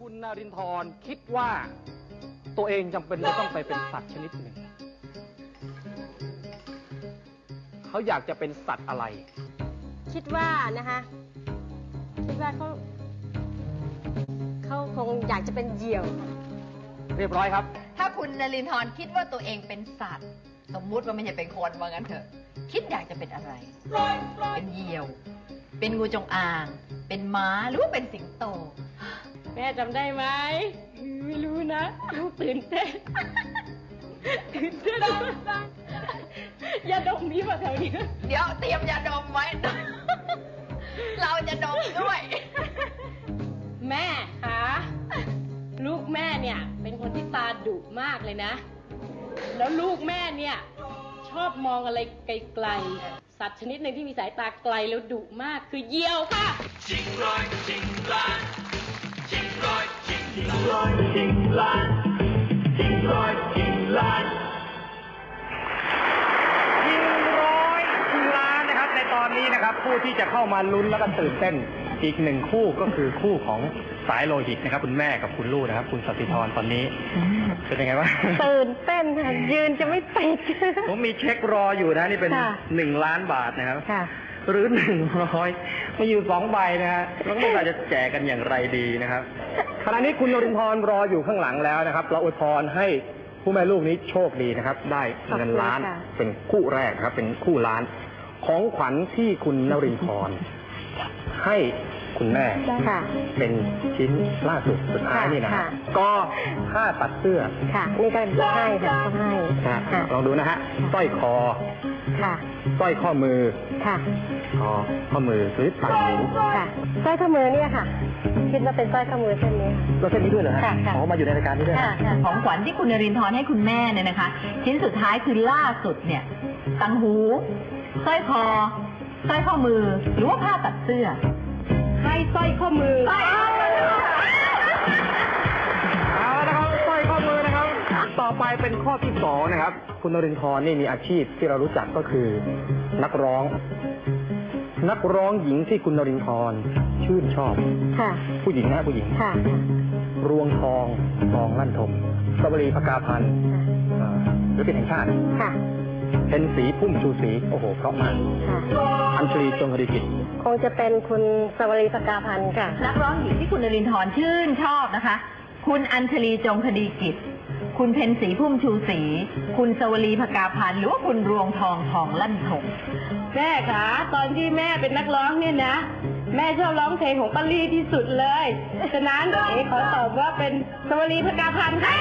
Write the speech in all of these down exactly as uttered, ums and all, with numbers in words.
คุณนรินทร์คิดว่าตัวเองจำเป็นจะต้องไปเป็นสัตว์ชนิดหนึ่งเขาอยากจะเป็นสัตว์อะไรคิดว่านะคะคิดว่าเขาเขาคงอยากจะเป็นเหยี่ยวเรียบร้อยครับถ้าคุณนรินทร์คิดว่าตัวเองเป็นสัตว์สมมุติว่าไม่ใช่เป็นคนว่างั้นเถอะคิดอยากจะเป็นอะไรเป็นเหยี่ยวเป็นงูจงอางเป็นม้าหรือว่าเป็นสิงโตแม่จำได้ไหมไม่รู้นะลูกตื่นเต้นตื่นเต้นยาดมมีป่ะแถวนี้เดี๋ยวเตรียมยาดมไว้ เราจะดมด้วยแม่คะลูกแม่เนี่ยเป็นคนที่ตาดุมากเลยนะแล้วลูกแม่เนี่ยชอบมองอะไรไกลๆสัตว์ชนิดหนึ่งที่มีสายตาไกลแล้วดุมากคือเหยี่ยวค่ะจริงร้อยจริงล้านจริงร้อยจริงร้อยจริงล้านจริงร้อยจริงล้านยิงร้อยชิงล้านนะครับในตอนนี้นะครับผู้ที่จะเข้ามาลุ้นแล้วก็ตื่นเต้นอีกหนึ่งคู่ก็คือคู่ของสายโลหิตนะครับคุณแม่กับคุณลูกนะครับคุณสติธรตอนนี้เป็นยังไงบ้างตื่นเต้นค่ะยืนจะไม่ติดผมมีเช็ครออยู่นะนี่เป็นหนึ่งล้านบาทนะครับหรือหนึ่งร้อยมาอยู่สองใบนะฮะแล้วก็เราจะแจกกันอย่างไรดีนะครับขณะนี้คุณนรินทร์รออยู่ข้างหลังแล้วนะครับเราอวยพรให้ผู้แม่ลูกนี้โชคดีนะครับได้เงินล้านเป็นคู่แรกครับเป็นคู่ล้านของขวัญที่คุณนรินทร์ให้คุณแม่เป็นชิ้นล่าสุดสุดท้ายนี่นะก็ผ้าตัดเสื้อนี่ก็ให้ค่ะให้ลองดูนะฮะสร้อยคอสร้อยข้อมือคอข้อมือหรือต่างหูสร้อยข้อมือเนี่ยค่ะคิดว่าเป็นสร้อยข้อมือเส้นนี้ก็เส้นนี้ด้วยเหรอฮะอ๋อมาอยู่ในรายการนี้ด้วยของขวัญที่คุณนรินทร์ให้คุณแม่เนี่ยนะคะชิ้นสุดท้ายคือล่าสุดเนี่ยต่างหูสร้อยคอสร้อยข้อมือหรือว่าผ้าตัดเสื้อให้สร้อยข้อมือเอาละครับสร้อยข้อมือนะครับต่อไปเป็นข้อที่สองนะครับคุณนรินทร์นี่มีอาชีพที่เรารู้จักก็คือนักร้องนักร้องหญิงที่คุณนรินทร์ชื่นชอบผู้หญิงนะผู้หญิงรวงทองทองลั่นทมสวรีภกาพันธ์หรือเป็นแห่งชาติเป็นสีพุ่มชูสีโอ้โหเพราะมากอัญชลีจงคดีกิจคงจะเป็นคุณสวรีภกาพันธ์ค่ะนักร้องหญิงที่คุณนรินทร์ชื่นชอบนะคะคุณอัญชลีจงคดีกิจคุณเพ็ญศรีพุ่มชูศรีคุณสวรีภกาพันธ์หรือว่าคุณรวงทองทองลั่นทมแม่คะตอนที่แม่เป็นนักร้องเนี่ยนะแม่ชอบร้องเพลงของป้าลี่ที่สุดเลยฉะนั้นเอ๋ขอตอบว่าเป็นสวรีภกาพันธ์ค่ะ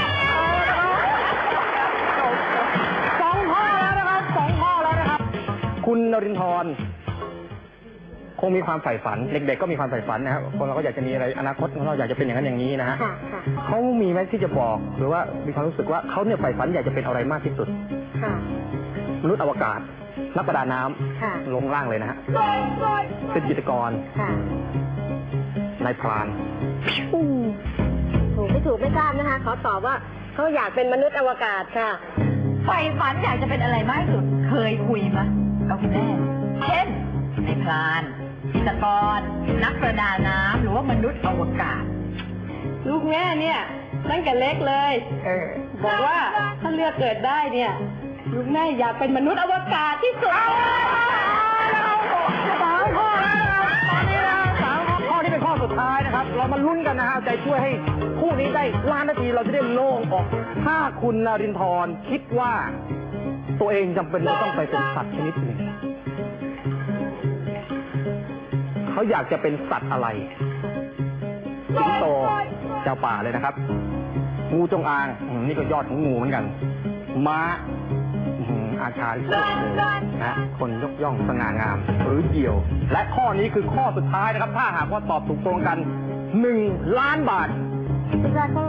สองข้อแล้วนะครับสองข้อแล้วนะครับคุณนรินทร์คงมีความใฝ่ฝันเด็กๆก็มีความใฝ่ฝันนะครับคนเราก็อยากจะมีอะไรอนาคตของเราอยากจะเป็นอย่างนั้นอย่างนี้นะฮะเขามีไหมที่จะบอกหรือว่ามีความรู้สึกว่าเขาเนี่ยใฝ่ฝันอยากจะเป็นอะไรมากที่สุดมนุษย์อวกาศนักประดาน้ำลงล่างเลยนะฮะเป็นจิตรกรนายพรานถูกไม่ถูกไม่ทราบนะคะขอตอบว่าเขาอยากเป็นมนุษย์อวกาศค่ะใฝ่ฝันอยากจะเป็นอะไรมากที่สุดเคยคุยมั้ยกับคุณแม่เช่นนายพรานจิตรกรนักประดาน้ำหรือว่ามนุษย์อวกาศลูกแม่เนี่ยตั้งแต่เล็กเลยเออบอกว่าถ้าเลือกเกิดได้เนี่ยลูกแม่อยากเป็นมนุษย์อวกาศที่สุดสามข้อแล้วนะครับตอนนี้นะสามข้อนี้เป็นข้อสุดท้ายนะครับเรามาลุ้นกันนะฮะใจช่วยให้คู่นี้ได้ล้านนาทีเราจะได้โล่งออกถ้าคุณนรินทร์คิดว่าตัวเองจำเป็นจะต้องไปเป็นสัตว์ชนิดหนึ่งเขาอยากจะเป็นสัตว์อะไรสิงโตเจ้าป่าเลยนะครับงูจงอางนี่ก็ยอดของงูเหมือนกันม้าอาชาลิโกนะคนยกย่องสง่างามหรือเหยี่ยวและข้อนี้คือข้อสุดท้ายนะครับถ้าหากว่าตอบถูกตรงกันหนึ่งล้านบาทคิดว่าเขา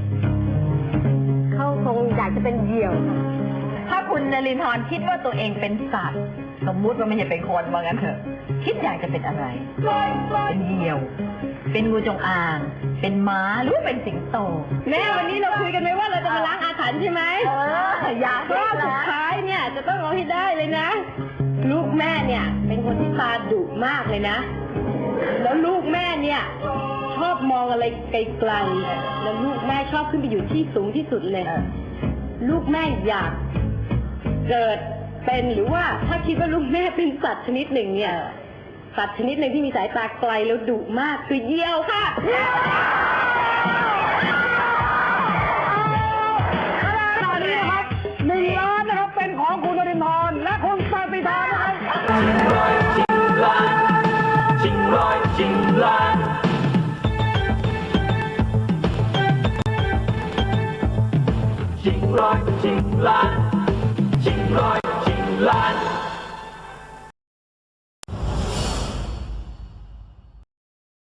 เขาคงอยากจะเป็นเหยี่ยวถ้าคุณนรินทร์คิดว่าตัวเองเป็นสัตว์สมมุติว่าไม่ใช่เป็นคนว่างั้นเถอะคิดอยากจะเป็นอะไรเป็นเหยี่ยวเป็นงูจงอางเป็นม้าหรือเป็นสิงโตแม่วันนี้เราคุยกันไหมว่าเราจะมาล้างอาถรรพ์ใช่ไหมเอออยากรอบสุดท้ายเนี่ยจะต้องเอาให้ได้เลยนะลูกแม่เนี่ยเป็นคนที่ตาดุมากเลยนะแล้วลูกแม่เนี่ยชอบมองอะไรไกลๆแล้วลูกแม่ชอบขึ้นไปอยู่ที่สูงที่สุดเลย ลูกแม่อยากเกิดเป็นหรือว่าถ้าคิดว่าลูกแม่เป็นสัตว์ชนิดหนึ่งเนี่ย สัตว์ชนิดหนึ่งที่มีสายตาไกลแล้วดุมากคือเหยี่ยวค่ะตอนนี้นะครับหนึ่งล้านนะครับเป็นของคุณนรินทร์และคุณปฏิทานนะครับชิงร้อยชิงล้านชิงร้อยชิงล้านชิงร้อยชิงล้านชิงร้อยชิงล้าน